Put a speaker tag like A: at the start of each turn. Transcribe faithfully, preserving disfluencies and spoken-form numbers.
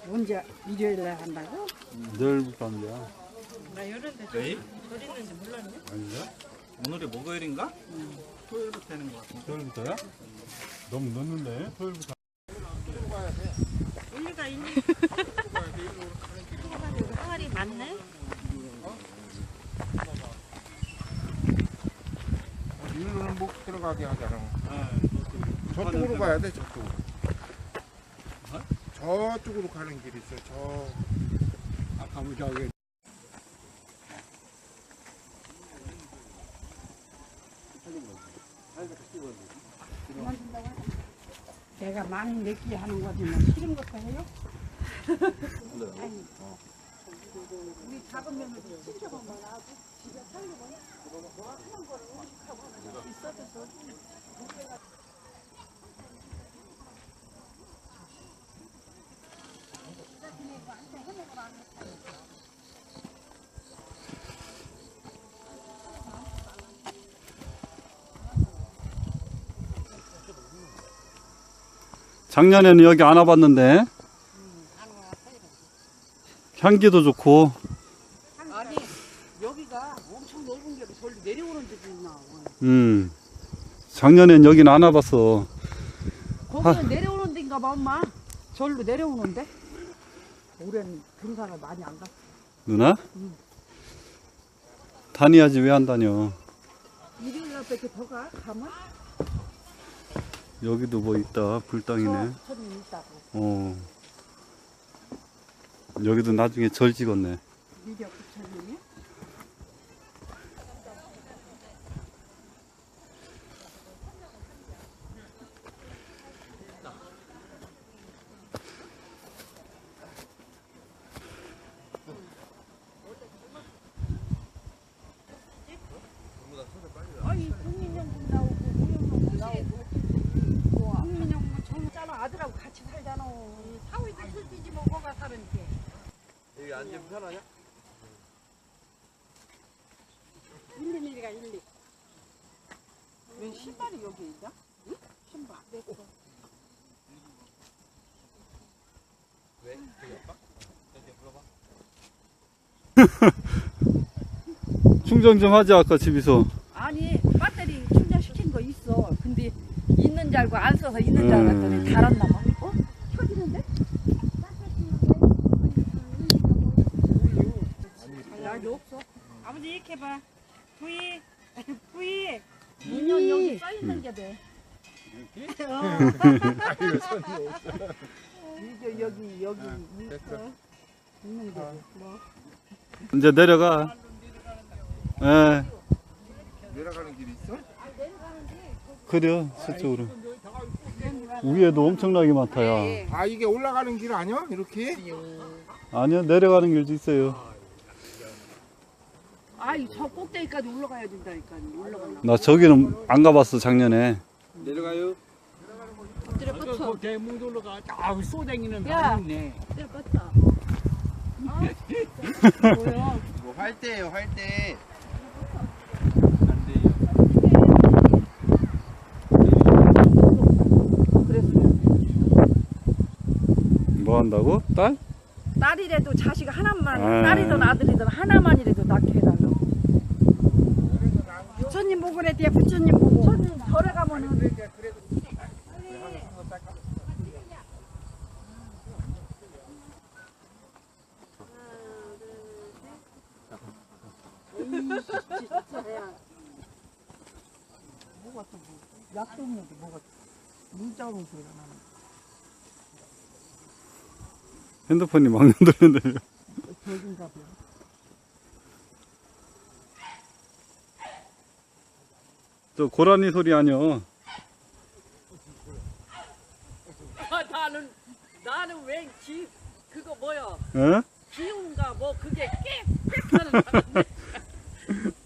A: 언제 일요일에 한다고?
B: 내일부터 하는 거야.
A: 나 이런데
C: 내일?
A: 절 있는지 몰랐네.
B: 아닌가?
C: 오늘이 목요일인가? 응. 토요일부터 하는 거 같은데.
B: 토요일부터야? 너무 늦는데? 토요일부터.
A: 일리가 있니? 항아리 많네.
D: 일로는 못 들어가게 하잖아. 저쪽으로 가야 돼, 저쪽으로. 저쪽으로 가는 길이 있어, 저. 아까 뭐 저기.
A: 내가 많이 냈기 하는 거지만 싫은 것도 해요? 아니, 우리 작은 며느리 친척은 뭐나 집에 살려고 하는 거를 음식하고 있어도
B: 작년에는 여기 안 와봤는데 향기도 좋고.
A: 아니 여기가 엄청 넓은 게 절로 내려오는 데도 있나.
B: 음 작년엔 여긴 안 와봤어.
A: 거기는 아. 내려오는 데인가 봐 엄마. 절로 내려오는데. 올해는 등산을 많이 안 갔어.
B: 누나?
A: 응.
B: 다녀야지 왜 안 다녀.
A: 일요일 날 밖에 더 가? 가면?
B: 여기도 뭐 있다. 불당이네.
A: 천이 있다고.
B: 어. 여기도 나중에 절 찍었네.
A: 미력 부처님이? 아니 국민연금 나오고 무형연금 나오고 국민연금은 정짜는 아들하고 같이 살잖아. 사위도 술지지 뭐 뭐가 사는지.
D: 여기 앉으면 편하냐?
A: 일리미리가 일리. 왜 신발이 여기 있냐? 응? 신발. 내 거.
D: 왜? 되게 아파? 물어봐.
B: 충전 좀 하지 아까 집에서.
A: 아니 배터리 충전시킨 거 있어. 근데 있는 줄 알고 안 써서 있는 줄 알았더니
B: 음.
A: 달았나 봐. 어? 켜지는데? 날도 없어. 아버지 이렇게 봐. 부이 부이 인연 여기 써 있는 게 돼. 이렇게? 어. 이게 여기 여기 있어. 있는 게 돼. 뭐.
B: 이제 내려가. 예.
D: 내려가는 길이 있어?
B: 그래요. 서쪽으로. 위에도 엄청나게 많다야.
D: 아, 이게 올라가는 길 아니야? 이렇게?
B: 아니요. 내려가는 길도 있어요.
A: 아이 저 꼭대기까지 올라가야 된다니까. 올라가려고.
B: 나 저기는 안 가봤어 작년에.
D: 내려가요?
A: 엎드려 뻗쳐.
E: 그 대문돌로 가. 아, 쏘댕이는
A: 야.
E: 많이 있네.
A: 엎드려 뻗쳐. 뭐야?
D: 이거 활대예요, 활대.
B: 뭐 한다고? 딸?
A: 딸이라도 자식 하나만,
B: 아.
A: 딸이든 아들이든 하나만이라도 낳게 해달라고. 부처님 보고 그래, 뒤에 부처님 보고. 부처님 절에 가면은. 뭐가 또 뭐, 약도 없는데 뭐가 문자 오는 소리가 나는.
B: 핸드폰이 막 흔들리는데.
A: 저긴가 봐.
B: 저 고라니 소리 아니여.
A: 아, 나는, 나는 왜 기, 그거 뭐야?
B: 어?
A: 기운가 뭐 그게 꽥꽥 하는 줄 알았네.